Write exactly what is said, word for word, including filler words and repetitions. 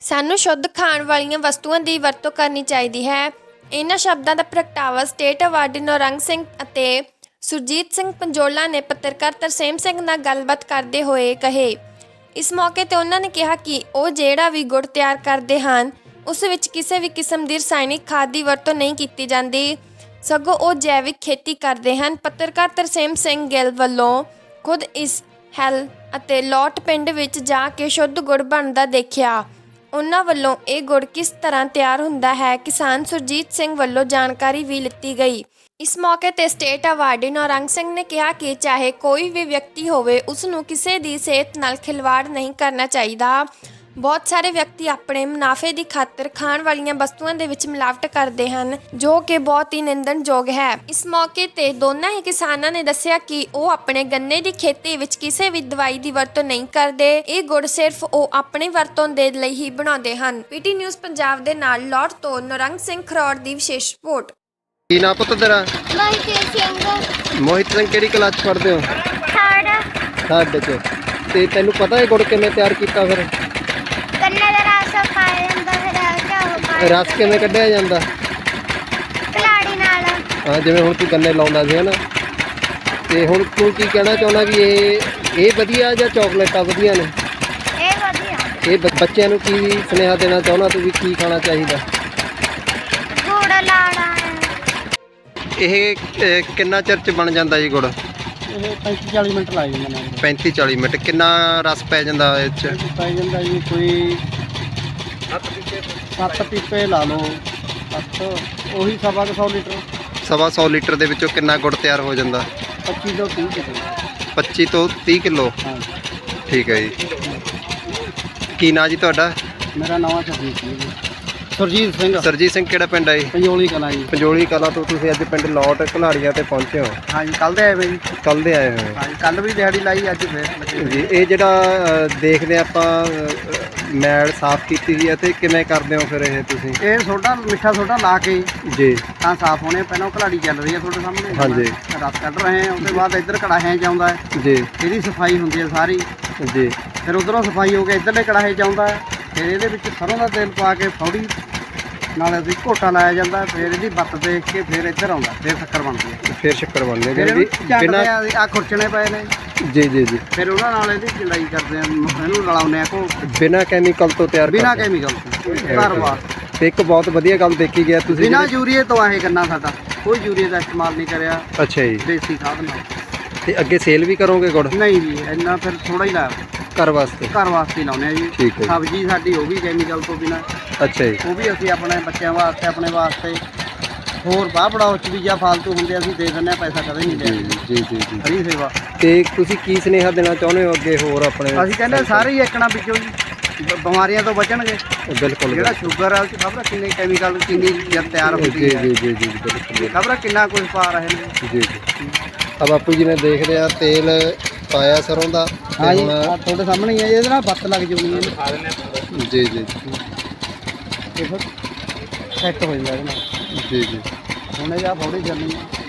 ਸਾਨੂੰ ਸ਼ੁੱਧ ਖਾਣ ਵਾਲੀਆਂ ਵਸਤੂਆਂ ਦੀ ਵਰਤੋਂ ਕਰਨੀ ਚਾਹੀਦੀ ਹੈ। ਇਹਨਾਂ ਸ਼ਬਦਾਂ ਦਾ ਪ੍ਰਗਟਾਵਾ ਸਟੇਟ ਅਵਾਰਡੀ ਨੌਰੰਗ ਸਿੰਘ ਅਤੇ ਸੁਰਜੀਤ ਸਿੰਘ ਪੰਜੋਲਾ ਨੇ ਪੱਤਰਕਾਰ ਤਰਸੇਮ ਸਿੰਘ ਨਾਲ ਗੱਲਬਾਤ ਕਰਦੇ ਹੋਏ ਕਹੇ। ਇਸ ਮੌਕੇ ਤੇ ਉਹਨਾਂ ਨੇ ਕਿਹਾ ਕਿ ਉਹ ਜਿਹੜਾ ਵੀ ਗੁੜ ਤਿਆਰ ਕਰਦੇ ਹਨ ਉਸ ਵਿੱਚ ਕਿਸੇ ਵੀ ਕਿਸਮ ਦੀ ਰਸਾਇਣਿਕ ਖਾਦ ਦੀ ਵਰਤੋਂ ਨਹੀਂ ਕੀਤੀ ਜਾਂਦੀ, ਸਗੋਂ ਉਹ ਜੈਵਿਕ ਖੇਤੀ ਕਰਦੇ ਹਨ। ਪੱਤਰਕਾਰ ਤਰਸੇਮ ਸਿੰਘ ਗਿੱਲ ਵੱਲੋਂ ਖੁਦ ਇਸ ਹੈਲ ਅਤੇ ਲੋਟ ਪਿੰਡ ਵਿੱਚ ਜਾ ਕੇ ਸ਼ੁੱਧ ਗੁੜ ਬਣਦਾ ਦੇਖਿਆ। ਉਹਨਾਂ ਵੱਲੋਂ ਇਹ ਗੁੜ ਕਿਸ ਤਰ੍ਹਾਂ ਤਿਆਰ ਹੁੰਦਾ ਹੈ ਕਿਸਾਨ ਸੁਰਜੀਤ ਸਿੰਘ ਵੱਲੋਂ ਜਾਣਕਾਰੀ ਵੀ ਲਿੱਤੀ ਗਈ। ਇਸ ਮੌਕੇ ਤੇ ਸਟੇਟ ਅਵਾਰਡੀ ਨੌਰੰਗ ਸਿੰਘ ਨੇ ਕਿਹਾ ਕਿ ਚਾਹੇ ਕੋਈ ਵੀ ਵਿਅਕਤੀ ਹੋਵੇ ਉਸ ਨੂੰ ਕਿਸੇ ਦੀ ਸਿਹਤ ਨਾਲ ਖਿਲਵਾੜ ਨਹੀਂ ਕਰਨਾ ਚਾਹੀਦਾ। ਬਹੁਤ ਸਾਰੇ ਵਿਅਕਤੀ ਆਪਣੇ ਮੁਨਾਫੇ ਦੀ ਖਾਤਰ ਖਾਣ ਵਾਲੀਆਂ ਵਸਤੂਆਂ ਦੇ ਵਿੱਚ ਮਿਲਾਵਟ ਕਰਦੇ ਹਨ, ਜੋ ਕਿ ਬਹੁਤ ਹੀ ਨਿੰਦਣਯੋਗ ਹੈ। ਇਸ ਮੌਕੇ ਤੇ ਦੋਨਾਂ ਹੀ ਕਿਸਾਨਾਂ ਨੇ ਦੱਸਿਆ ਕਿ ਉਹ ਆਪਣੇ ਗੰਨੇ ਦੀ ਖੇਤੀ ਵਿੱਚ ਕਿਸੇ ਵੀ ਦਵਾਈ ਦੀ ਵਰਤੋਂ ਨਹੀਂ ਕਰਦੇ। ਇਹ ਗੁੜ ਸਿਰਫ ਉਹ ਆਪਣੀ ਵਰਤੋਂ ਦੇ ਲਈ ਹੀ ਬਣਾਉਂਦੇ ਹਨ। ਪੀਟੀ ਨਿਊਜ਼ ਪੰਜਾਬ ਦੇ ਨਾਲ ਲੌਟ ਤੋਂ ਨੌਰੰਗ ਸਿੰਘ ਖਰੋੜ ਦੀ ਵਿਸ਼ੇਸ਼ ਰਿਪੋਰਟ। ਕੀ ਨਾਂ ਪੁੱਤ ਤੇਰਾ? ਮੋਹਿਤ ਸਿੰਘ। ਮੋਹਿਤ ਸਿੰਘ ਕਿਹੜੀ ਕਲਾਸ 'ਚ ਪੜ੍ਹਦੇ ਹੋ? ਥਰਡ। ਥਰਡ 'ਚ। ਤੇ ਤੈਨੂੰ ਪਤਾ ਹੈ ਗੁੜ ਕਿਵੇਂ ਤਿਆਰ ਕੀਤਾ ਫਿਰ? ਗੰਨੇ ਦਾ ਰਸ ਪਾਇਆ ਜਾਂਦਾ, ਫਿਰ ਘਿਓ ਪਾਇਆ ਰਸ ਕਿਵੇਂ ਕੱਢਿਆ ਜਾਂਦਾ? ਕਲਾੜੀ ਨਾਲ। ਹਾਂ, ਜਿਵੇਂ ਹੁਣ ਤੂੰ ਗੰਨੇ ਲਾਉਂਦਾ ਸੀ ਹਨਾ, ਤੇ ਹੁਣ ਤੂੰ ਕੀ ਕਹਿਣਾ ਚਾਹੁੰਦਾ ਵੀ ਇਹ ਇਹ ਵਧੀਆ ਜਾਂ ਚੌਕਲੇਟਾਂ ਵਧੀਆ ਨੇ? ਇਹ ਵਧੀਆ। ਇਹ ਬ- ਬੱਚਿਆਂ ਨੂੰ ਕੀ ਸੁਨੇਹਾ ਦੇਣਾ ਚਾਹੁੰਦਾ ਤੂੰ ਵੀ ਕੀ ਖਾਣਾ ਚਾਹੀਦਾ? ਗੁੜ ਲਾਣਾ। ਇਹ ਅਹ, ਕਿੰਨਾ ਚਿਰ 'ਚ ਬਣ ਜਾਂਦਾ ਜੀ ਗੁੜ? ਇਹ ਪੈਂਤੀ ਚਾਲੀ ਮਿੰਟ ਲੱਗ ਜਾਂਦੇ ਨੇ। ਪੈਂਤੀ ਚਾਲੀ ਮਿੰਟ। ਕਿੰਨਾ ਰਸ ਪੈ ਜਾਂਦਾ ਇਹ 'ਚ? ਪੈ ਜਾਂਦਾ ਜੀ ਕੋਈ ਸੱਤ ਪੀਪੇ ਲਾ ਲਓ, ਸੱਤ ਉਹੀ ਸਵਾ ਕੁ ਸੌ ਲੀਟਰ, ਸਵਾ ਸੌ ਲੀਟਰ ਦੇ ਵਿੱਚੋਂ ਕਿੰਨਾ ਗੁੜ ਤਿਆਰ ਹੋ ਜਾਂਦਾ? ਪੱਚੀ ਤੋਂ ਤੀਹ ਕਿਲੋ। ਪੱਚੀ ਤੋਂ ਤੀਹ ਕਿਲੋ। ਹਾਂ, ਠੀਕ ਹੈ ਜੀ। ਕੀ ਨਾਂ ਜੀ ਤੁਹਾਡਾ? ਮੇਰਾ ਨਾਮ ਸੁਰਜੀਤ ਸਿੰਘ ਜੀ। ਸੁਰਜੀਤ ਸਿੰਘ। ਸਰਜੀਤ ਸਿੰਘ ਕਿਹੜਾ ਪਿੰਡ ਹੈ ਜੀ? ਪੰਜੋਲੀ ਕਲਾਂ ਜੀ। ਪੰਜੋਲੀ ਕਲਾਂ ਤੋਂ ਤੁਸੀਂ ਅੱਜ ਪਿੰਡ ਲੌਟ ਘਲਾੜੀਆਂ ਤੇ ਪਹੁੰਚੇ ਹੋ? ਹਾਂਜੀ, ਕੱਲ੍ਹ ਦੇ ਆਏ ਵੇ ਜੀ। ਕੱਲ ਦੇ ਆਏ ਹੋਏ ਹਾਂਜੀ, ਕੱਲ੍ਹ ਵੀ ਦਿਹਾੜੀ ਲਾਈ, ਅੱਜ ਫੇਰ ਲੱਗੇ ਜੀ। ਇਹ ਜਿਹੜਾ ਅ, ਦੇਖਦੇ ਆਪਾਂ ਅ, ਮੈਲ ਸਾਫ਼ ਕੀਤੀ ਹੋਈ ਹੈ, ਤੇ ਕਿਵੇਂ ਕਰਦੇ ਹੋ ਫਿਰ ਇਹ ਤੁਸੀਂ? ਇਹ ਸੋਡਾ ਮਿੱਠਾ ਸੋਡਾ ਲਾ ਕੇ ਜੀ ਤਾਂ ਸਾਫ਼ ਹੋਣੇ। ਪਹਿਲਾਂ ਉਹ ਘਲਾੜੀ ਚੱਲ ਰਹੀ ਹੈ ਤੁਹਾਡੇ ਸਾਹਮਣੇ। ਹਾਂਜੀ। ਰਸ ਕੱਢ ਰਹੇ ਹਾਂ, ਉਹਦੇ ਬਾਅਦ ਇੱਧਰ ਕੜਾਹਿਆਂ 'ਚ ਆਉਂਦਾ ਹੈ, ਜੀ ਇਹਦੀ ਸਫਾਈ ਹੁੰਦੀ ਹੈ ਸਾਰੀ। ਜੀ ਫਿਰ ਉਧਰੋਂ ਸਫਾਈ ਹੋ ਕੇ ਇੱਧਰਲੇ ਕੜਾਹੇ 'ਚ ਆਉਂਦਾ ਹੈ, ਫਿਰ ਇਹਦੇ ਵਿੱਚ ਸਰੋਂ ਦਾ ਤੇਲ ਪਾ ਕੇ ਫੌੜੀ ਨਾਲ ਅਸੀਂ ਘੋਟਾ ਲਾਇਆ ਜਾਂਦਾ, ਫਿਰ ਇਹਦੀ ਬੱਤ ਦੇਖ ਕੇ ਫਿਰ ਇੱਧਰ ਆਉਂਦਾ, ਫਿਰ ਸ਼ੱਕਰ ਬਣਦੀ ਹੈ। ਫਿਰ ਸ਼ੱਕਰ ਬਣਦੇ ਫਿਰ ਜੀ ਇਹਨੂੰ ਬਿਨਾਂ? ਝੰਡਦੇ ਆ, ਖੁਰਚਣੇ ਪਏ ਨੇ, ਜੀ ਜੀ ਜੀ ਫਿਰ ਉਹਨਾਂ ਨਾਲ ਇਹਦੀ ਚੜਾਈ ਕਰਦੇ ਆ, ਇਹਨੂੰ ਰਲਾਉਂਦੇ ਆ ਕੋ ਬਿਨਾਂ ਕੈਮੀਕਲ ਤੋਂ ਤਿਆਰ ਬਿਨਾਂ ਕਰਦੇ? ਕੈਮੀਕਲ ਤੋਂ ਘਰ ਵਾਰ। ਤੇ ਇੱਕ ਬਹੁਤ ਵਧੀਆ ਗੱਲ ਦੇਖੀ ਗਿਆ ਤੁਸੀਂ ਬਿਨਾਂ ਜਿਹੜੀ- ਯੂਰੀਏ ਤੋਂ ਇਹ ਗੰਨਾ ਸਾਡਾ, ਕੋਈ ਯੂਰੀਏ ਦਾ ਇਸਤੇਮਾਲ ਨਹੀਂ ਕਰਿਆ, ਅੱਛਾ ਜੀ। ਦੇਸੀ ਖਾਦ ਨਾਲ। ਤੇ ਅੱਗੇ ਸੇਲ ਵੀ ਕਰੋਗੇ ਗੁੜ? ਨਹੀਂ ਜੀ, ਇੰਨਾ ਫਿਰ ਥੋੜਾ ਹੀ ਲਾਇਆ, ਘਰ ਵਾਸਤੇ? ਘਰ ਵਾਸਤੇ ਹੀ ਲਾਉਂਦੇ ਆ ਜੀ। ਠੀਕ ਹੈ ਜੀ। ਸਬਜ਼ੀ ਸਾਡੀ ਉਹ ਵੀ ਕੈਮੀਕਲ ਤੋਂ ਬਿਨਾਂ, ਅੱਛਾ ਜੀ। ਉਹ ਵੀ ਅਸੀਂ ਆਪਣੇ ਬੱਚਿਆਂ ਵਾਸਤੇ, ਆਪਣੇ ਵਾਸਤੇ, ਹੋਰ ਬਾਹ ਬੜਾਓ ਚ ਵੀ ਜਾਂ ਫਾਲਤੂ ਹੁੰਦੇ ਅਸੀਂ ਦੇ ਦਿੰਦੇ ਹਾਂ, ਪੈਸਾ ਕਦੇ ਨਹੀਂ ਜੀ ਲਿਆ। ਜੀ ਜੀ ਜੀ। ਫਰੀ ਸੇਵਾ। ਤੇ ਤੁਸੀਂ ਕੀ ਸੁਨੇਹਾ ਦੇਣਾ ਚਾਹੁੰਦੇ ਹੋ ਅੱਗੇ ਹੋਰ ਆਪਣੇ? ਅਸੀਂ ਕਹਿੰਦੇ ਸਾਰੇ ਹੀ ਇੱਕਣਾ ਵਿੱਚੋਂ ਜੀ ਬ- ਬਿਮਾਰੀਆਂ ਤੋਂ ਬਚਣਗੇ। ਬਿਲਕੁਲ ਜਿਹੜਾ ਸ਼ੂਗਰ ਆ ਉਹ 'ਚ ਖਬਰ ਕਿੰਨੇ ਕੈਮੀਕਲ, ਕਿੰਨੀ ਜਦ ਤਿਆਰ ਜੀ ਹੁੰਦੀ ਜੀ ਹੈ, ਜੀ ਜੀ ਜੀ ਬਿਲਕੁਲ ਖਬਰ ਕਿੰਨਾ ਕੁਝ ਪਾ ਰਹੇ ਨੇ। ਜੀ ਜੀ। ਆ ਬਾਪੂ ਜੀ ਨੇ ਦੇਖਦੇ ਆ ਤੇਲ ਪਾਇਆ ਸਰੋਂ ਦਾ, ਤੇ ਹਾਂ ਜੀ, ਹੁਣ ਆਹ ਤੁਹਾਡੇ ਸਾਹਮਣੇ ਹੀ ਹੈ, ਇਹਦੇ ਨਾਲ ਬੱਤ ਲੱਗ ਜਾਊਗੀ ਜੀ ਜੀ ਇਹ ਫਿਰ ਸੈੱਟ ਹੋ ਜਾਂਦਾ ਇਹਦੇ ਨਾਲ। ਜੀ ਜੀ। ਹੁਣ ਇਹ ਆ ਫੌੜੀ ਚੱਲਣੀ ਹੈ।